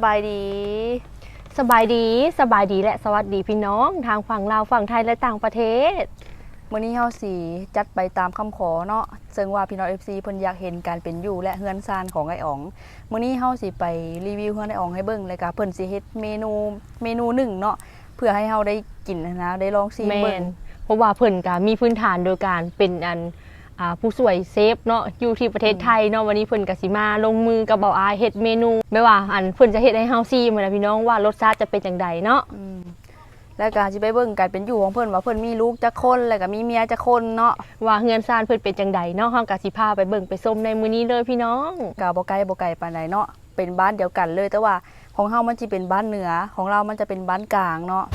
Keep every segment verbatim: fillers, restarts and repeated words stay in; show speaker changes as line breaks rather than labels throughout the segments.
บายดี
สบายดีสบายดีและสวัสดีพี่น้องทางฝั่งลาวฝั่งไทยและต่างประเทศ
มื้อนี้เฮาสิจัดไปตามคำขอเนาะซึ่งว่าพี่น้อง เอฟ ซี เพิ่นอยากเห็นการเป็นอยู่และเฮือนซานของไอ้อ๋องมื้อนี้เฮาสิไปรีวิวเฮือนไอ้อ๋องให้เบิ่งแล้วก็เพิ่นสิเฮ็ดเมนูเมนูหนึ่งเนาะเพื่อให้เฮาได้กินนะได้ลองชิมเบิ่ง
เพราะว่าเพิ่นก็มีพื้นฐานโดยการเป็นอันผู้สวยเซฟเนาะอยู่ที่ประเทศไทยเนาะวันนี้เพิ่นก็สิมาลงมือกับเบาอายเฮ็ดเมนูไม่ว่าอันเพิ่นจะเฮ็ดให้เฮาชิมนะพี่น้องว่ารสชาติจะเป็นจังไดเนาะ
แล้วก็สิไปเบิ่งการเป็นอยู่ของเพิ่นว่าเพิ่นมีลูกจักคนแล้วก็มีเมียจักคนเนาะ
ว่าเฮือนซ่านเพิ่นเป็นจังไดเนาะเฮาก็สิพาไปเบิ่งไปชมในมื้อนี้เลยพี่น้อง
ก็บ่ไกลบ่ไกลปานใดเนาะเป็นบ้านเดียวกันเลยแต่ว่าของเฮามันสิเป็นบ้านเหนือของเรามันจะเป็นบ้านกลางเนาะ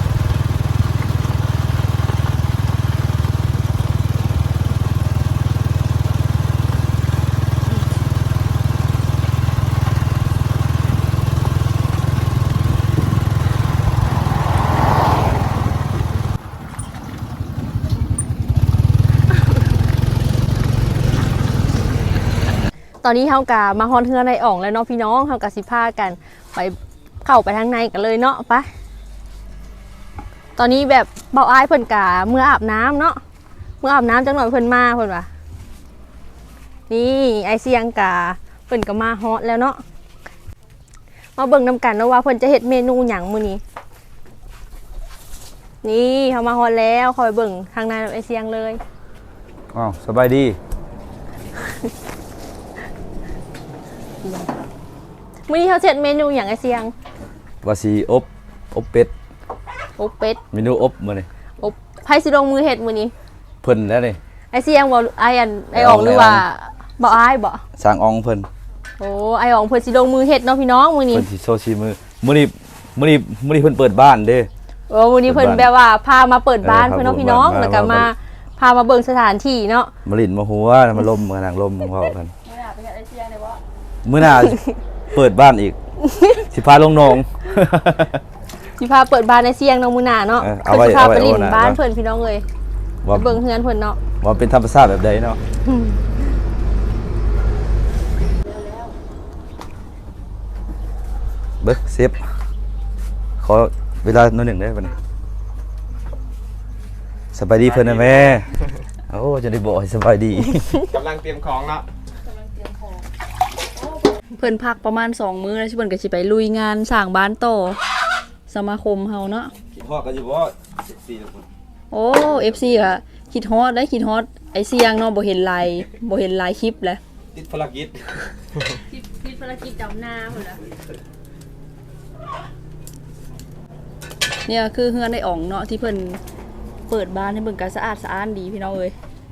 ตอนนี้เฮากะมาฮอนเฮือนในอ่องแล้วเนาะพี่น้องเฮากะสิพากันไปเข้าไปทางในกันเลยเนาะไปตอนนี้แบบเบาอ้ายเพิ่นกะเมื่ออาบน้ำเนาะเมื่ออาบน้ำจังหน่อยเพิ่นมาเพิ่นว่านี่ไอเสียงกะเพิ่นก็มาฮอตแล้วเนาะมาเบิ่งนำกันเนาะว่าเพิ่นจะเฮ็ดเมนูหยังมื้อนี้นี่เฮามาฮอตแล้วคอยเบิ่งทางในไอเสียงเลย
อ้าวสบายดี
มื้อนี้เขาเสร็จเมนูอย่างไอเสียง
ว่าสิอบอบเป็ด
อบเป็ด
เมนูอบมื้อนี้
อบไผสิลงมือเฮ็ดมื้อนี้
เพิ่นแล้วนี่
ไอเสียงบ่ไออันไอออกหรือว่าบ่อ้ายบ่
สร้างอองเพิ่น
โอ้ไอออกเพิ่นสิลงมือเฮ็ดเนาะพี่น้องมื้อนี้
เพิ่นสิโชว์ชีมือมื้อนี้มื้อนี้มื้อนี้เพิ่นเปิดบ้านเด้
โอ้มื้อนี้เพิ่นแบบว่าพามาเปิดบ้านเพิ่นเนาะพี่น้องแล้วก็มาพามาเบิ่งสถานที่เนาะ
มาลิ้นมาหัวมาลมมานั่งลมของเฮากันมื้อหน้าไปเฮ็ดไอเสียงได้บ่มื้อหน้าเปิดบ้านอีกสิพาลงหนอง
สิพาเปิดบ้านในเสียงน้องมื้อหน้าเนาะเพิ่นสิพาไปลิ้นบ้านเพิ่นพี่น้องเอ้ยไปเบิ่งเฮือนเพิ่นเนาะ
ว่าเป็นธรรมชาติแบบใดเนาะเบิ่งเซฟขอเวลาหน่อยหนึ่งได้ป่ะนี่สบายดีเพิ่นนะแม่โอ้จะได้บอกให้สบายดี
กำลังเตรียมของเนาะ
เพิ่นพักประมาณสองมื้อแล้วเพิ่นก็สิไปลุยงานสร้างบ้านต่อสมาคมเฮาเนาะ
คิดฮอดกันอยู่บ่เอฟซีทุกคน
โอ้ เอฟ ซี ค่ะคิดฮอดได้คิดฮอดไอ้เสียงเนาะบ่เห็นไลน์บ่เห็นไลน์คลิปแล้ว
ติดภารกิจ
ติดภารกิจดำนาพุ่นล่ะ
เนี่ยคือเฮือนไอ้อ๋องเนาะที่เพิ่นเปิดบ้านให้เบิ่งก็สะอาดสะอ้านดีพี่น้องเอ้ย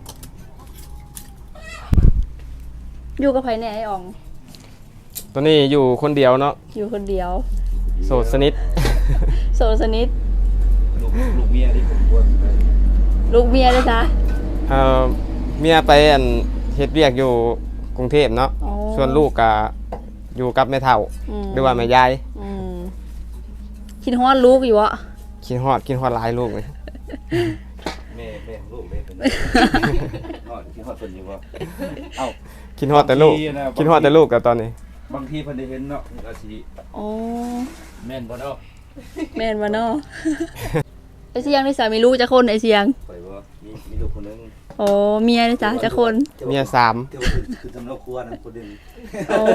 อยู่กับไผแน่ไอ้อ๋อง
ตอนนี้อยู่คนเดียวเนาะ
อยู่คนเดียว
โสดสนิท
โสดสนิท
ลูกลูกเมียที่ผมควร
ลูกเมียด้วยจ้ะ
เอ่อเมียไปอันเฮ็ดเวียกอยู่กรุงเทพเนาะส่วนลูกก็อยู่กับแม่เฒ่าหรือว่าแม่ยาย
คิดฮอดลูกอยู่อ่ะ
คิดฮอดคิดฮอดหลายลูกเลย
แม่แม่ลูกแม่ฮอดคิดฮอดเพิ่นอยู่บ่เอ้า
คิดฮอดแต่ลูกคิดฮอดแต่ลูกกับตอนนี้
บางทีเพิ่นได้เห็นเนาะก็สิ
อ๋อ
แม่นบ่เนาะ
แม่นบ่เนาะไอ้เสียงนี่สามีลูกจักคนไอ้เสียง
ข่อยบ่มีมีลูกคนนึง
โอ้เมียนี่จ้ะจักคน
เมียสาม
คือสำหรับครัวนะคนนึง
โอ้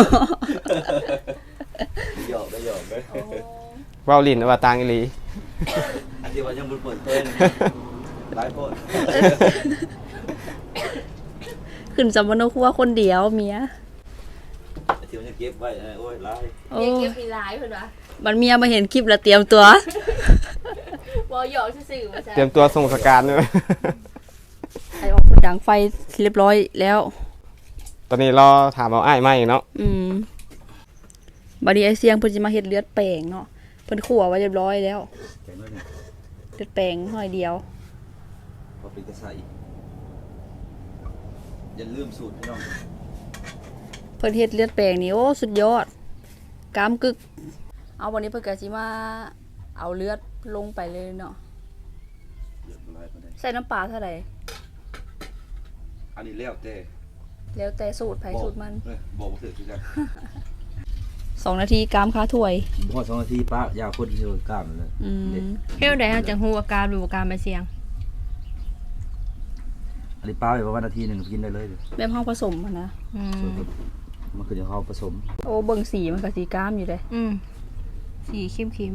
หยอกได้หยอกได้
เว้าลิ้นว่าต่างอีหลี
อันที่ว่ายังบ่เปิดเผยหลายคน
ขึ้นสำนักครัวคนเดียวเมีย
เดี๋ยวจะเก็บไว้โอ้ยหลาย
เก็บเก็บมีหลายเพิ่นว่า
บัดเมียมาเห็นคลิปแล้วเตรียมตัว
บ่หยอกซื่อๆว่าซั่น
เตรียมตัวส่งสการเด้อ
ไอ้ออกดังไฟเรียบร้อยแล้ว
ตอนนี้รอถามเอาอ้ายมาอีกเนาะ
อืมบัดนี้ไอ้เสียงเพิ่นสิมาเฮ็ดเลือดแปลงเนาะเพิ่นคั่วไว้เรียบร้อยแล้วเลือดแปลงหน่อยเดียว
พอเป็นกระใสอย่าลืมสูตรพี่น้อง
เพิ่นเฮ็ดเลือดแปลงนี่โอ้สุดยอดกามกึกเอาวันนี้เพิ่นก็สิมาเอาเลือดลงไปเลยเนาะใส่น้ำปลาเท่าไหร่
อันนี้แล้วแต่
แล้วแต่สูตรไผสูตรมัน
บอกบ่ถูกคือกัน
สองนาทีกามค้าถ้วย
พอสองนาทีป้ายาวคนที่กล้ามเลย
อืม
เฮ็ดได้เฮาจังฮู้อาการหรืออาการใบเสียง
อันนี้ป้าไปประมาณนาทีหนึ่งกินได้เลย
แบบห้องผสมอะนะ
อืม
ส่วนมันคือจะเขาผสม
โอ้เบิ่งสีมันก็สีกามอยู่เลย
อืมสีเข้ม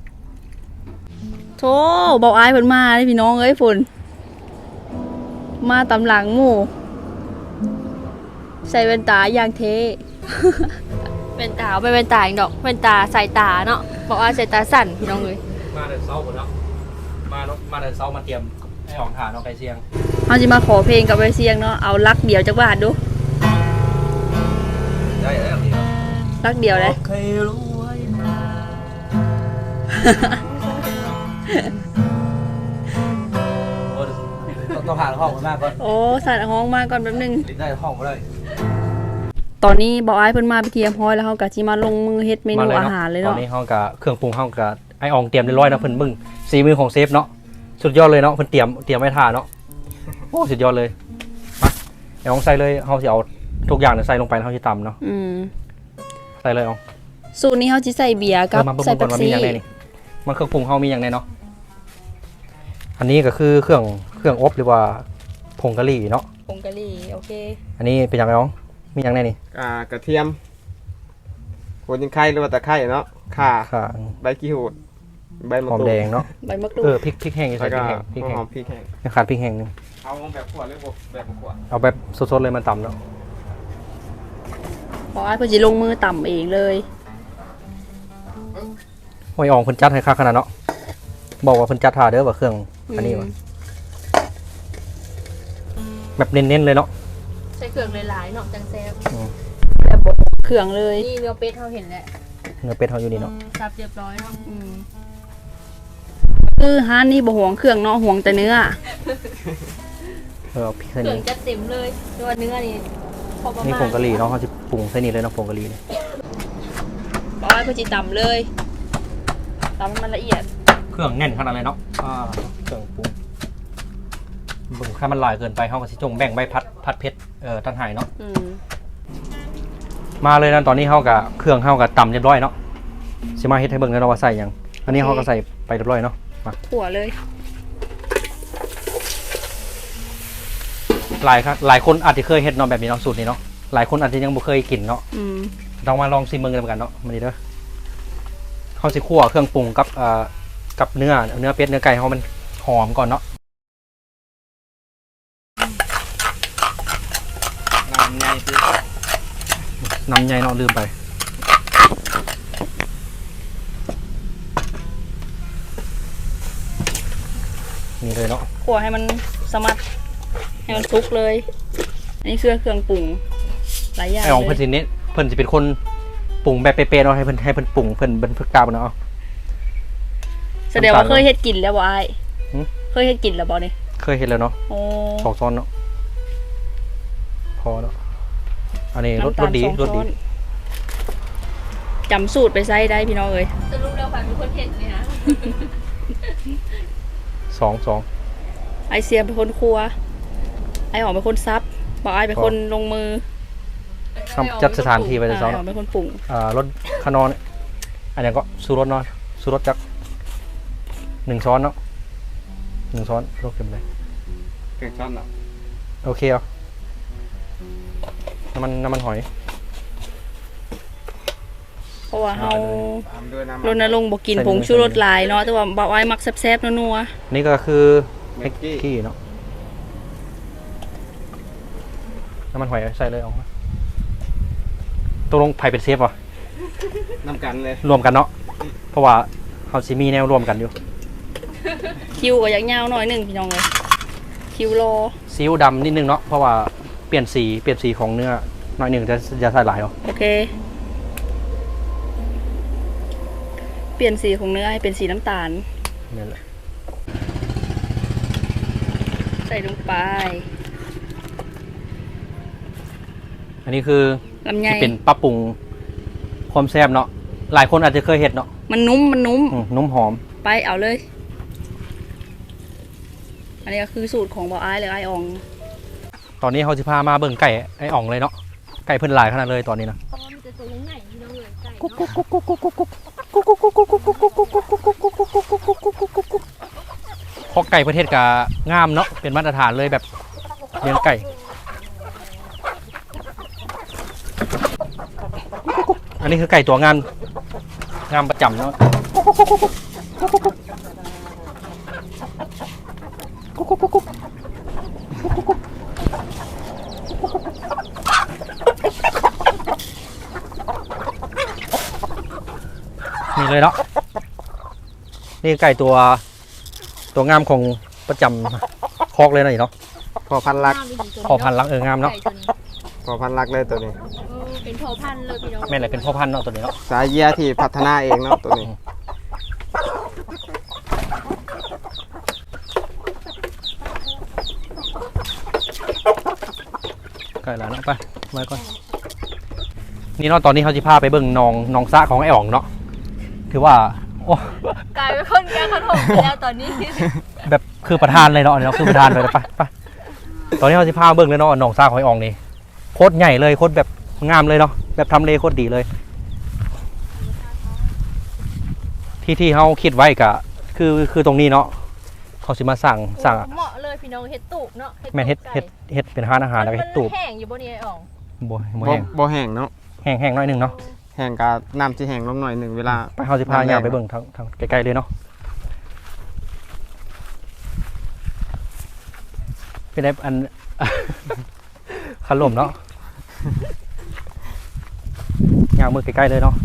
โธ่บอกอายเพิ่นมาเลยพี่น้องเอ้ยฝนมาตำหลังหมู่ใส่แว่นตาอย่างเท่
ๆเป็นตาเอาไปเป็นตาอีกดอกเป็นตาสายตาเนาะบอกว่าสายตาสั่นพี่น้องเอ้ย
มาเดินเซาหมดแล้วมาเนาะมาเดินเซามาเตรียมให้ออกฐานเอาไก่เชียง
เฮาสิมาขอเพลงกับไว้เสียงเนาะเอาลักเดียวจักบาทดู
ได้แล้วนี่ครับ
ลักเดียวเลย
เคยรู้ไว้มาต้องผ่านห้องมากก่อน
โอ้สัตว์ห้องมาก่อนแป๊บนึง
ได้ห้องมาเลย
ตอนนี้บอกอายเพิ่นมาไปเตรียมพร้อยแล้วเฮาก็สิมาลงมือเฮ็ดเมนูอาหารเลย
ตอ
เนาะ
นนี้ห้องกับเครื่องปรุงห้องกับไออองเตรียมเรียบร้อยนะเพิ่นมึงสีมือของเซฟเนาะสุดยอดเลยเนาะเพิ่นเตรียมเตรียมไว้ท่าเนาะโอ้สุดยอดเลยมาไออองใส่เลยเฮาสิเอาทุกอย่างเนี่ยใส่ลงไปแล้วเฮาสิตำเนาะ
อืม
ใส่เลยออง
สูตรนี้เฮาสิใส่เบียร์กับ
เออมาเบิ่ง
ใส่
ก่
เป๊
อน
ป
ว่ามี
ซี่
อย่างไรนี่มันเครื่องปรุงเฮามีอย่างไรเนาะอันนี้ก็คือเครื่องเครื่องอบหรือว่าผงกะหรี่เนาะ
ผงกะหรี่โอเค
อันนี้เป็นอย่างไรอองมีอย่างไรนี่
อ่ากระเทียมหัวจิงไข่หรือว่าตะไคร้เนาะข่า
ค่ะ
ใบกี้หูดใบมะ
หอม
กรูด
แดงเนาะ
ใบมะกรู
เอ
ด
อพริกพริกแห้งอยู่ใส่
แล้ว
พ
ก็
ริกแห้งพริก
หัว
แห้
หอง มพริกแห้ง
ยังขาดพริกแห้งหนึง
เอาแบบขวดหรือแบบขวด
เอาแบบสดๆเลยมันต่ำเนาะ
บอกอายเพิ่นสิลงมือต่ำเองเลย
หอยอ่องเพิ่นจัดให้ค่าขนาดเนาะบอกว่าเพิ่นจัดท่าเด้อว่าเครื่องอันนี้
ม
วะแบบเน้นๆเลยเนาะ
ใส่เครื่องหลายๆเนาะจังแซ่บ
แบบบดเครื่องเลย
นี่เนื้อเป็ดเฮาเห็นแล้ว
เนื้อเป็ดเฮาอยู่นี่เนาะ
สับเรียบร้อยเนาะ
อืมคือร้านนี้บ่ห่วงเครื่องเนาะห่วงแต่เนื้อ
เออเอาพริกใส่
เครื่อ
นี่
งจะเต็มเลยตัวเนื้อนี่พอประ
นี่
มาณ
ผงกะหรี่เนาะเขาจะปรุงใส่นี่เลยเนาะผงกะหรี่เนี่ย
บอกอายเพิ่นสิต่ำเลยต่ำให้มันละเอียด
เครื่องแน่นขนาดเลยเนาะอ่าเครื่องปรุงเบิ่งถ้ามันหลายเกินไปเฮาก็สิจงแบ่งใบพัดพัดเพชรเอ่อตั้งหายเนาะ
อืม
มาเลยนะตอนนี้เฮากับเครื่องเฮากับตำเรียบร้อยเนาะสิมาเฮ็ดให้เบิ่งเลยเนาะว่าใส่หยังอันนี้เฮาก็ใส่ไปเรียบร้อยเนาะมา
ขั่วเลย
หลายครับหลายคนอาจจะเคยเฮ็ดเนาะแบบนี้เนาะสูตรนี้เนาะหลายคนอาจจะยังบ่เคยกินเนาะ
อืม
ต้องมาลองชิมเบิ่งกันกันเนาะมันดีเด้อเฮาสิคั่วเครื่องปรุงกับเอ่อกับเนื้อเนื้อเป็ดเนื้อไก่เฮามันหอมก่อนเนาะน้ำใหญ่พี่น้ำใหญ่เนาะลืมไปนี่เลยเนาะ
ขั่วให้มันสมัดให้มันสุกเลย อันนี้คือเครื่องปรุงหลายอย่าง
ไอ้ของ
เล
เพิ่น
ย
สิเน้นเพิ่นสิเป็นคนปรุงแบบเป๊ะๆเนาะให้เพิ่นให้เพิ่นปรุงเพิ่นเพิ่นเพิ่นกล้าบ่เนาะ
แสดงว่าเคยเฮ็ดกินแล้วบ่อาย
หืม
เคยเฮ็ดกินแล้วบ่นี่
เคยเห็นแล้วเนาะ
โอ้
สองช้อนเนาะพอเนาะอันนี้รส
น้ำตาร ล
สดี
สอง
รส
ช้
ดี
อนจำสูตรไปใส่ได้พี่น้องเอ้ย
สรุปแล้วค่ะเป็นคนเห็นเลยนะ
สองสอง
ไอเสียเป็นคนครัว ไอหอมเป็นคนซับบอกไอเป็นคนลงมือ
คำจัดสถานที่ไป
ไอ
แต่
ห
สอง
อมเป็นคนปรุง
อ่ารสขนอนอันนี้ก็สูรสเนาะสูรสจักหนึ่งช้อนเนาะหนึ่งช้อนรสเค็มเลย
เก่งช้อนเนาะ
โอเคเอาน้ำมันน้ำมันหอย
เพราะว่าเฮา
ตามด้วยน้ำ
รณรงค์บอกกินผงชูรสหลายเนาะแต่ว่าบอกไอมักแซ่บๆนัว
นี่ก็คือ
แม็กกี้
กี้เนาะน้ำมันหอยใส่เลยเอามาตกลงไผ่เป็นเซฟวะ
น้ำกันเลย
รวมกันเนาะเพราะว่าเขาซิมีแนวรวมกันอยู่
ๆคิวก็อยากยาวหน่อยหนึงพี่น้องเลยคิวรอ
ซีอิ๊วดำนิดนึงเนาะเพราะว่าเปลี่ยนสีเปลี่ยนสีของเนื้อหน่อยหนึ่งจะจะใส่หลายเนาะ
โอเค เปลี่ยนสีของเนื้อให้เป็นสีน้ำตาล
นี่แหละ
ใส่ลงไป
อันนี้คือ
ลำไย
ที่เป็นปรับปรุงความแซ่บเนาะหลายคนอาจจะเคยเห็นเนาะ
มันนุ่มมันนุ่ม
อืมนุ่มหอม
ไปเอาเลย อันนี้ก็คือสูตรของบอไอายหรือไอออง
ตอนนี้เขาจะพามาเบิ่งไก่ไอ้อ่องเลยเนาะไก่เพิ่นหลายขนาดเลยตอนนี้นะ
เพราะว่ามันจะตัวใหญ่พี่น้องเลยไก่
คอกไก่ประเทศกางามเนาะเป็นมาตรฐานเลยแบบเลี้ยงไก่อันนี้คือไก่ตัวงามงามประจำเนาะนี่เลยเนาะนี่ไก่ตัวตัวงามของประจำคอกเลยนะนี่เนาะ
พอพันลัก
พอพันธุ์ลักเอองามเนาะ
พอพันลักเลยตัวนี้
เป็นพอพันธุ์เลยพี่น้อง
แม่นอะไรเป็นพ่อพันธุ์เนาะตัวนี้เนาะ
สายเยียที่พัฒนาเองเนาะตัวนี้
ไก่แล้วเนาะไปมาก่อนนี่เนาะตอนนี้เขาจะพาไปเบิ่งหนองหนองสระของไอ้อ๋องเนาะถือว่าโอ้
กลายเป็นคนแก่ขนมไปแล้วตอนนี้
แบบคือประธานเลยเนาะอันนี้เนาะคือประธานเลยไปไปตอนนี้เขาจะพาเบิ่งเลยเนาะหนองสระของไอ้อ๋องนี่โคตรใหญ่เลยโคตรแบบงามเลยเนาะแบบทำเลโคตรดีเลย ที่ที่เขาคิดไว้กะคือคือตรงนี้เนาะเขาสิมาสั่งสั่ง
เหมาะเลยพี่น้องเฮ็ดตูบเนาะ
แม่นเฮ็ดเฮ็ดเฮ็ดเป็นร้านอาหารแล้วก็เฮ็ดตูบ
แห้งอยู่บนนี้ไอ้อ่อง
บ่บ่
บ่
แห้ง
บ่แห้งเนาะ
แห้งแห้งหน้อยหนึงเนาะ
แห้งกับน้ำที่แห้งลงหน่อยหนึ่งเวลา
ไปเขาสิพาย่างไปเบิ่งทางทางใกล้ๆเลยเนาะเป็นไงอัน ขลุ่มเนาะย่างมือใกล้ๆเลยเนาะ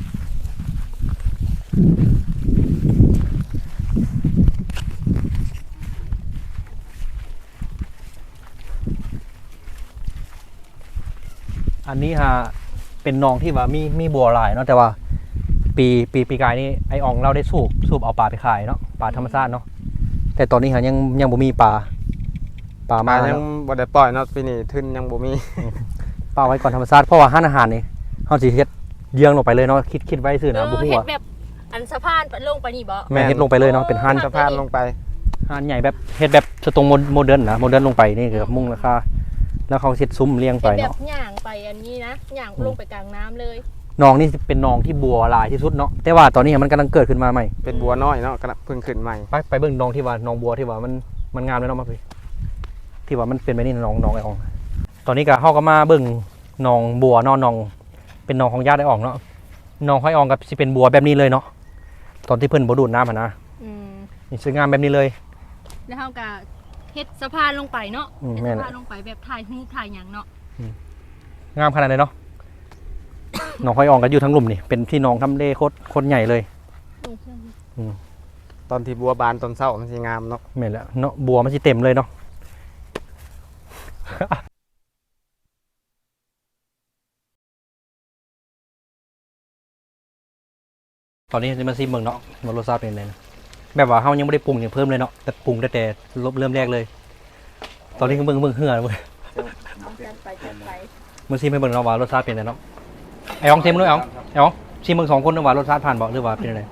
อันนี้ฮะเป็นหนองที่ว่ามีมีบัวหลายเนาะแต่ว่าปีปีปีกายนี่ไออองเราได้สูบสูบเอาปลาไปขายเนาะปลาธรรมชาติเนาะแต่ตอนนี้ฮะยังยังบ่มีปลาปลา
มา
มา
ยั
เนาะ
งบ่ได้ปล่อยเนาะปีนี้ทุนยังบ่มี
ปลาไว้ก่อนธรรมชาติเพราะว่าห้านอาหารนี่เฮาสิเฮ็ดเยื้องลงไปเลยเนาะคิดคิดไว้ซื่อนะบ่ฮู้
เฮ็ด
ว่า
แบบอันสะพานลงไปนี่บ่
แม่เฮ็ดลงไปเลยเนาะเป็นห้าน
สะพานลงไป
ห้านใหญ่แบบเฮ็ดแบบสตรงโมเดิร์นนะโมเดิร์นลงไปนี่คือมุ่งราคาแล้วเขาเฮ็ดซุ้มเรียงไป
เฮ็ดแบบ
เนาะ
ย่างไปอันนี้นะย่างลงไปกลางน้ำเลย
หนองนี่เป็นหนองที่บัวหลายที่สุดเนาะแต่ว่าตอนนี้มันกำลังเกิดขึ้นมาใหม่
เป็นบัวน้อยเนาะกำลังเพิ่งขึ้นใหม่
ไปไปเบิ่งหนองที่ว่าหนองบัวที่ว่ามันมันงามเลยเนาะมาพี่ที่ว่ามันเป็นแบบนี้หนองหนองไอ้อ่องตอนนี้ก็เฮาก็มาเบิ่งหนองบัวเนาะหนองเป็นหนองของญาติไอ้อ่องเนาะหนองของไอ้อ่องก็สิเป็นบัวแบบนี้เลยเนาะตอนที่เพิ่นบ่ดูดน้ำหั่นนะ
อืม
นี่สวยงามแบบนี้เลย
แล้วเฮาก็เฮ็ดสะพานลงไปเนาะ
อืม
เฮ็ด
แม่น
สะพานลงไปแบบถ่ายรูปถ่ายหยังเนาะ
งามขนาดไหนเนาะ หนองหอยอ่องก็อยู่ทั้งหลุมนี่เป็นที่หนองทำเลโคตรโคตรใหญ่เลย
ลงเครื่อง
ตอนที่บัวบานตอนเช้ามันสิงามเนาะ
แม่นแล้วเนาะบัวมันสิเต็มเลยเนาะ ตอนนี้จะมาซิมเบิ่งเนาะว่ารสชาติเป็นไงนะแบบว่าเฮายังไม่ได้ปรุงอย่างเพิ่มเลยเนาะแต่ปรุงแต่แต่เริ่มแรกเลย ตอนนี้ก็เบิ่งเบิ่งเหือเลย
จัดไปจัดไป
มาซิมให้เบิ่งเนาะว่ารสชาติเป็นไงเนาะไอ้อ๋องซิมด้วยอ๋องไอ้อ๋องซิมเบิ่งสองคนเนาะว่ารสชาติผ่านบ่หรือว่าเป็นอะไร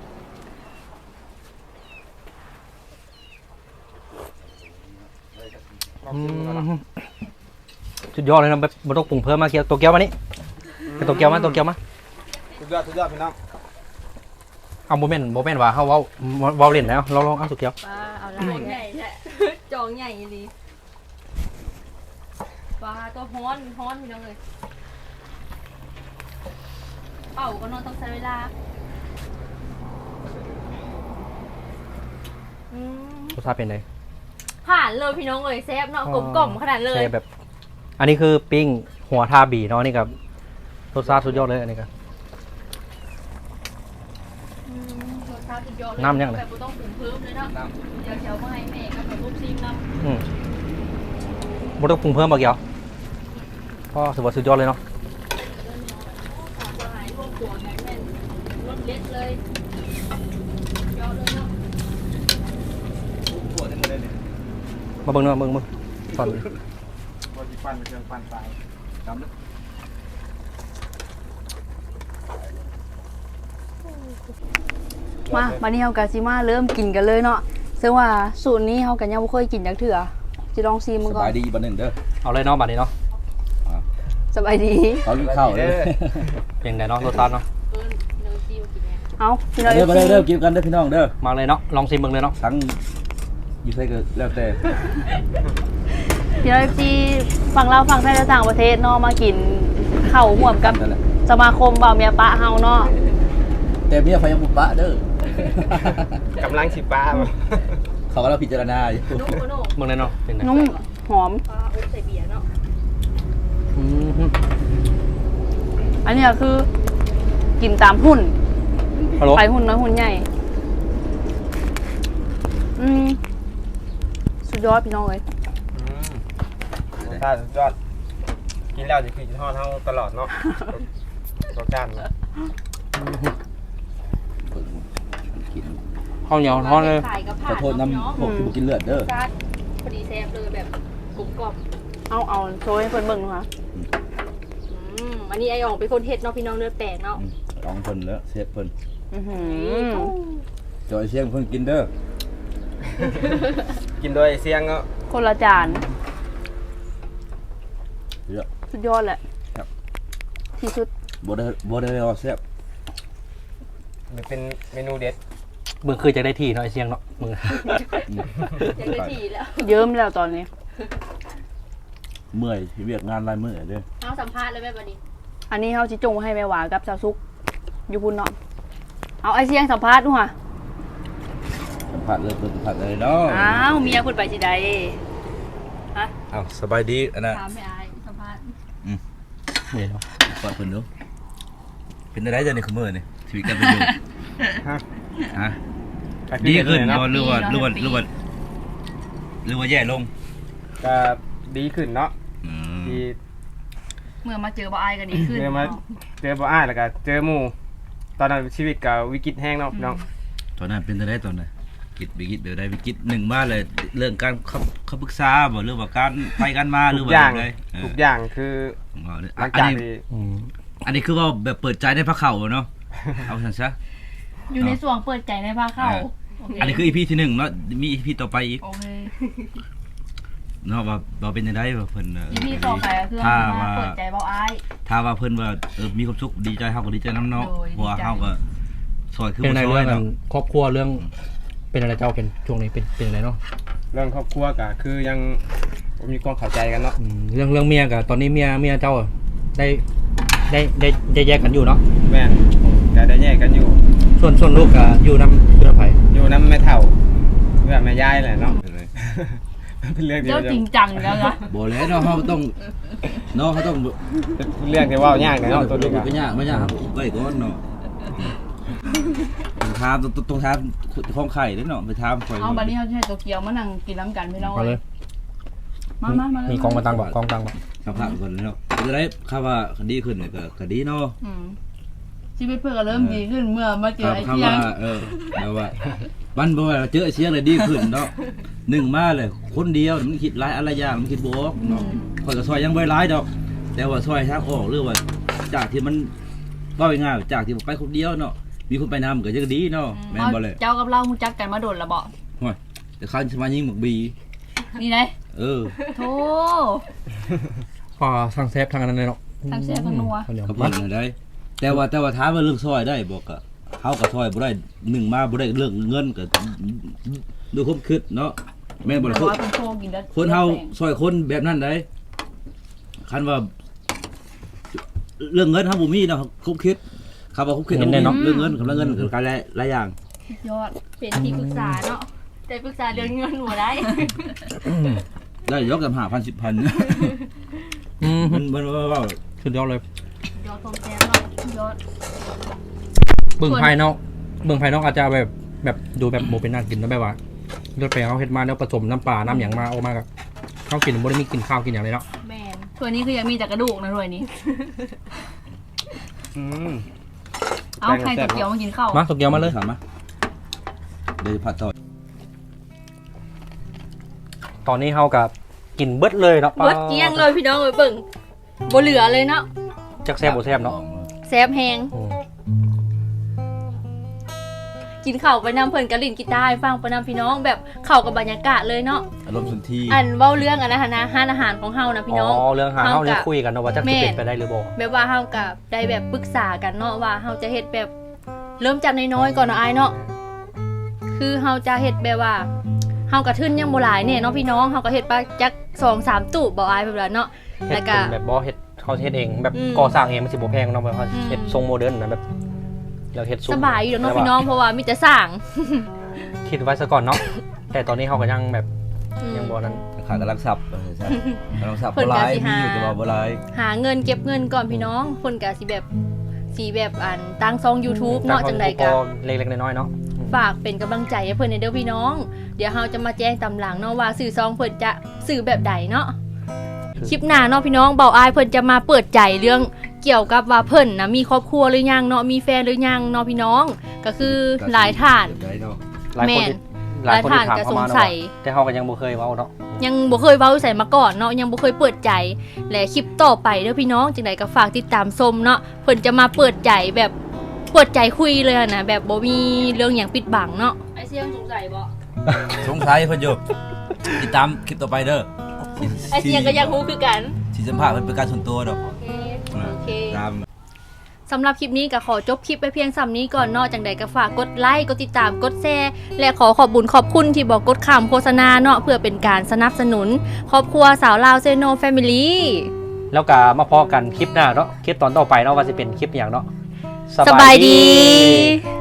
อืมสุดยอดเลยนะแบบบ่ต้องปรุงเพิ่มมาเกียวตัวเกียวมานี่ไปตัวเกียวมาตัวเกียวมา
สุดยอดสุดยอดพี่น้อง
เอาโมเมนต์โมเมนต์ว่าเฮาเว้าเว้าเล่นแล้วเราลองเอาตัวเกียว
ปลาเอาลายใหญ่แท้ จองใหญ่ดีปลาตัวฮ้อนฮ้อนพี่น้องเลยเป่าก็นอนต้องใช้เวลาอืม
รสชาติเป็นไง
ผ่านเลยพี่น้องเลยแซ่บเนาะกลมกล่อมขนาดเลย
ใช่แบบ อันนี้คือปิ้งหัวทาบีเนาะนี่กับรสชาติสุดยอดเลยอันนี้ก็
อืมรสชาติสุดยอดเลย
น้ำยังไง
แบบบ่ต้องปรุงเพิ่มเลยเนาะเดี๋ยวเชียวมาให้แม่กับแบบลูกซีมน้ำ
อืมบ่ต้องปรุงเพิ่มบ่เกี่ยวก็ถือว่าสุดยอดเลยเนาะ
หายพวกหัวแม่แม่นรสเล็ดเลยยอดเลยเนาะ
มาเบิ่งเนาะเบิ่งมึงตอน
บัวสิปั้นเป็นเครื่องปั้นตายจำเด้อ
มาวันนี้เฮาก็สิมาเริ่มกินกันเลยเนาะซึ่งว่าสูตรนี้เฮาก็ยังบ่เคยกินจักเทื่อสิลองชิมมึง
ส
ก่อน
บายดีบันหนึ่งเด้อ
เอาเลยเนาะบัดนี้เนาะ
สบายดี
เขากินข้าวเด้อ
เป็นไงเนาะรสชาติเนาะ
เอิ้น
เอาพี่น้อง
เด้อมา
เอ
เด้อ
ฟ
เด้อกินกันเด้อพี่น้องเด้อ
มาเลยเนาะลองซิมเบิ่งเลยเนาะ
ทั้งอยู่ไสก็แล้วแต่
พี่น้องเอฟซีฝั่งเราวฝั่งไทยและต่างประเทศเนาะมากินข้าวห่วมกับ
นั่นแหละ
สมาคมบ่าวเมียปะเฮาเนาะ
แต่เมียไฟยังบุปะเด้อก
ำลังสิป้าบ่
เขาก็เราพิจารณาอยู่
เบิ่งเลยเนาะเป็นไง
นุ่มหอม
อืม
อันนี้ก็คือกินตามหุ้น
ฮัลโหล
ไปหุ้นน้อยหุ้นใหญ่อืมสุดยอดพี่น้องเอ้ย
ถ้าสุดยอดกินแล้วจะคือจะทอดเฮาตลอดเนาะรสชาติ
กิน
ข้าวเหนียวทอดเลย
ขอโทษน้ำพวกที่บ่กินเลือดเด้อ
พอดีแซ่บเลยแบบกรุบกรอบ
เอาเอาโชว์ให้เพิ่นเบิ่งดูค่ะ
อืมอันนี้ไอ้อ่องเป็นคนเฮ็ดเนาะพี่น้องเลือดแปลกเนาะ
อืมลองเพิ่นแล้วเซฟเพิ่น
อื้อหือ
จอยเสียงเพิ่นกินเด้อ
กินโดยเสียงก็
คนละจาน
เยอะ
สุดยอดแหละ
ครับ
ที่สุด
บ่ได้บ่ได้ว่าแซ่บ
มันเป็นเมนูเด็ด
เบิ่งคือจะได้ที่เนาะไอเสียงเนาะมึง
อืม
ยังได้ทีแล้ว
เยิ้มแล้วตอนนี้
เมื่อยเวียกงานหลายมื้อเด้อ
เอาสัมภาษณ์เลยแม่บัดนี้
อันนี้เฮาสิจงให้แม่หวากับสาวซุกอยู่พุ่นเนาะเอาไอเสียงสัมภาษณ์ดูค่ะ
สัมผัสเลยเพิ่นสัมผัสเลยเนาะ
อ้าวเมียเพิ่นไปสิใด
อ้าวสบายดีอันน่ะ
ถามไม่อายสัมภาษณ์
นี่เนาะ
กอดเพิ่นดูเป็นอะไรจ้ะนี่คือมื้อนี่ชีวิตการเป็นอยู่
ฮะ
ฮะ
ก็คือ
ดีขึ้น
เนาะ
บ่หรือว่าหรือว่าหรือว่าหรือว่าแย่ลง
ก็ดีขึ้นเนาะ
อืม
ที่
เมื่อมาเจอบ่อายก็ดีขึ้น
เจอมาเจอบ่อ้ายแล้วก็เจอหมู่ตอนนั้นชีวิตก็วิกฤตแห้งเนาะพี่น้อง
ตอนนั้นเป็นอะไรตอนนั้นกิจวิกฤตแบบใดวิกฤตหนึ่งมาเลยเรื่องการเข้าเข้าปรึกษาบ่หรือว่าการไปกันมาหรือ
ทุก
ว่า
อย่าง
อะไร
ทุกอย่างคือ
ห
หลั
ลั
ง
ง
จา
จาก ก
ที่
อืม
อันนี้คือว่าแบบเปิดใจในพระเข่าเนาะ เอาซั่นซะ
อยู่ในส่วงเปิดใจในภาคเข้า
อันนี้คือ อี พี ที่หนึ่งเนาะมี อี พี ต่อไปอีก
โอเค
เนาะว่าว่าเป็นจังไดว่าเพิ่นเอ่อ
อีพีต่อไปก็คือ
ถ้า
มา
ว่า
เปิดใจบ่อาย
ถ้าว่าเพิ่นว่าเออมีความสุขดีใจเฮาก็ดีใจนํเนาะ
โดย
เพราะว่า
ดีใจ
เฮาก็ซอยคือ
เป็น
บ่
อะไร
ซอ
เรื่
ย
อง
เนาะ
ครอบครัวเรื่องเป็นอะไรเจ้าเป็นช่วงนี้เป็นเป็นอะไรเนาะ
เรื่องครอบครัวก็คือยังบ่มีความเข้าใจกันเนาะ
อืมเรื่องเรื่องเมียกับตอนนี้เมียเมียเจ้าอะได้ได้ได้ได้แยกกันอยู่เนาะ
แม่นก็ได้แยกกันอยู่
ส่วนส่วนลูกก็อยู่น้ำอยู่น้ำไผ่
อยู่นำแม่เฒ่าเพื่อนแม่ยายแหละเนาะ เป็นเรื่องเดีย
เจ้าว จริงจังแล้วนะ
บ่แล้วเนาะเฮาต้องเนาะเฮาต้อง
เป็นเรื่องที่เว้ายากเนาะตัวนี้ก็
ก็ยากไม่ยากครับไว้ก่อนเนาะต้องถามต้องต้องถามของไข่เด้อเนาะไปถามข่อย
เอาบัดนี้เขาจะให้ตัวเกียวมานั่งกินน้ำกันพี่น้อง
มาเลย
มามามาเลย
มีกองมาตังบอกกองตังบอก
สัมภาษณ์ก่อนเนาะจะได้คำว่าดีขึ้นเนี่ยก็ก็ดีเนาะ
อืมชีวิตเพื่อนก็เริ่มดีขึ้นเมื่อมาเจ
ค
อ
รับ
ไอ้
คำ
เที่ย
ว่าง เออแล้วว่ามันบ่ว่าเจอไอ้เสียงเลยดีขึ้นเนาะหนึ่งมาเลยคนเดียวมันคิดหลายอะไรอย่างมันคิดบวกเนาะข่อยก็ซอยยังบ่หลายดอก แต่ว่าซอยทางออกหรือว่าจากที่มันเว้าง่ายๆจากที่ไปคนเดียวเนาะมีคนไปนำก็ยังดีเนาะแม่นบ่เลย
เจ้ากับเราฮู้จักกันมาโดนละบ่
ห่วยแต่เขาจะมายิงหมกบี
นี่ไง
เออ
โธ่
พอทางเซฟทางนั้นเลยเนาะ
ทางเซฟทางนัว
ข้าวเหนียว
ก็
มา
เพิ่นน่ะได้ แต่ว่าแต่ว่าถามว่าเรื่องซอยได้บอกก็เฮาก็ซอยบ่ได้หนึ่งมาบ่ได้เรื่องเงินก็ดูความคิดเนาะแม่นบ่
แต่
ล่ะ
ว่าเป็นโชกินแล้ว
คนเฮาซอยคนแบบนั้นได้คันว่า เรื่องเงินเฮาบ่มีเนาะคบคิดคำว่าคบคิดเนาะเรื่องเงินกับเรื่องเงินกับการหลายหลายอย่าง
ยอด
เป็นที่ปรึกษาเนาะแต่ปรึกษาเรื่องเงินหัวได้
ได้ยกกันห้าพัน สิบพัน
อืม
มันมันว่าว่า
สุดยอดเลย
ยอดความแซ่บเนาะยอด
เบิ่งภายนอกเบิ่งภายนอกอาจจะแบบแบบดูแบบโมเป็นน่ากินนะแบบว่าเลือดไปเขาเฮ็ดมาแล้วผสมน้ำปลาน้ำหยังมาออกมากับข้าวกินบ่ได้มีกินข้าวกินอย่างเลยเนาะ
แมนถ้วยนี้คือยังมีแต่กระดูกนะถ้วยนี้
อืม
เอาใครตัวเกียวมากินข้าว
มาสุกเดียวมาเลย
ถามมาเดี๋ยวผัดต่อ
ตอนนี้เฮากับกินเบิดเลยเนาะ
เบิดเกลี้ยงเลยพี่น้องเอ้ยเบิ่งบ่เหลือเลยเนาะ
จักแซ่บบ่แซ่บเนาะ
แซ่บแฮง
อืม
กินข้าวไปนำเพิ่นก็เล่นกีตาร์ให้ฟังไปนำพี่น้องแบบเข้ากับบรรยากาศเลยเนาะ
อารมณ์สุนทรี
อันเว้าเรื่องอันนะนะร้านอาหารของเฮานะพี่น้อง
อ๋อเรื่องหาเฮาเนี่ย
เฮากับ
คุยกันเนาะว่าจัก
แม่
จะเป็นไปได้หรือบ่
แบบว่าเฮากับได้แบบปรึกษากันเนาะว่าเฮาจะเฮ็ดแบบเริ่มจากน้อยๆก่อนเนาะอายเนาะคือเฮาจะเฮ็ดแบบว่าเฮากระทึนยังบ่หลายเนี่ยเนาะพี่น้องเฮาก็เฮ็ดไปจัก สองสาม ตู้บ่อายแบบนั้นเนาะ
เฮ็
แล้
ด
วก็
เป็นแบบบ่เฮ็ดเขาเฮ็ดเองแบบ
อืม
ก่อสร้างเองมันสิบ่แพงเนาะแบบว่า
อืม
เฮ็ดทรงโมเดิร์นนะแบบแล้วเฮ็ดซุ้ม
สบายอยู่เนาะ
แต่ว่
พี่น้องเพราะว่ามีแต่สร้าง
คิดไว้ซะก่อนเนาะ แต่ตอนนี้เขาก็ยังแบบ
อืม
ยังบ่นั้น
ขากำลังสับว่าซั่นกำลังสับ
เพิ่น
บ่ห
ก็
ลาย
สิ
มี
หา
อยู่แต่ว่าบ่หลาย
หาเงินเก็บเงินก่อนพี่น้องเพิ่นก็สิแบบสิแบบอันตั้งซอง YouTube เนาะจังได๋ก็
เล็กๆน้อยๆเนาะ
ฝากเป็นกำลังใจให้เพิ่นในเด้อพี่น้อง เดี๋ยวเราจะมาแจ้งตำหลังเนาะว่าสื่อซองเพิ่นจะสื่อแบบใดเนาะ คลิปหน้าเนาะพี่น้องเบาอายเพิ่นจะมาเปิดใจเรื่องเกี่ยวกับว่าเพิ่นนะมีครอบครัวหรือยังเนาะมีแฟนหรือยังเนาะพี่น้องก็คือหลายท่าน
ได้เนาะ
หลายคนที่หลายคนที่ถามเข้ามา
หลายท่านก็สงสั
เนาะ
ย
แต่เขาก็ยังบ่เคยเว้าเนาะ
ยังบ่เคยเว้าใส่มาก่อนเนาะยังบ่เคยเปิดใจและคลิปต่อไปเด้อพี่น้องจังไดก็ฝากติดตามชมเนาะเพิ่นจะมาเปิดใจแบบเปิดใจคุยเลยอะนะแบบบ่มีเรื่องหยังปิดบังเนาะไอเสียงสงสัยบ่
สงสัยเพิ่นอยู่ติดตามคลิปต่อไปเด้อ
ไอเสียงก็อยากรู้คือกัน
สิสัมภาษณ์เพิ่นเป็นการส่วนตัวดอก
โอเคโอเค
ตาม
สำหรับคลิปนี้ก็ขอจบคลิปไปเพียงสำนี้ก่อนเนาะจังใดก็ฝากกดไลค์กดติดตามกดแชร์และขอขอบบุญขอบคุณที่บอกกดข่าวโฆษณาเนาะเพื่อเป็นการสนับสนุนครอบครัวสาวลาวเซโนแฟมิลี่
แล้วก็มาพอกันคลิปหน้าเนาะคลิปตอนต่อไปเนาะว่าจะเป็นคลิปอย่างเนาะ
สบายดี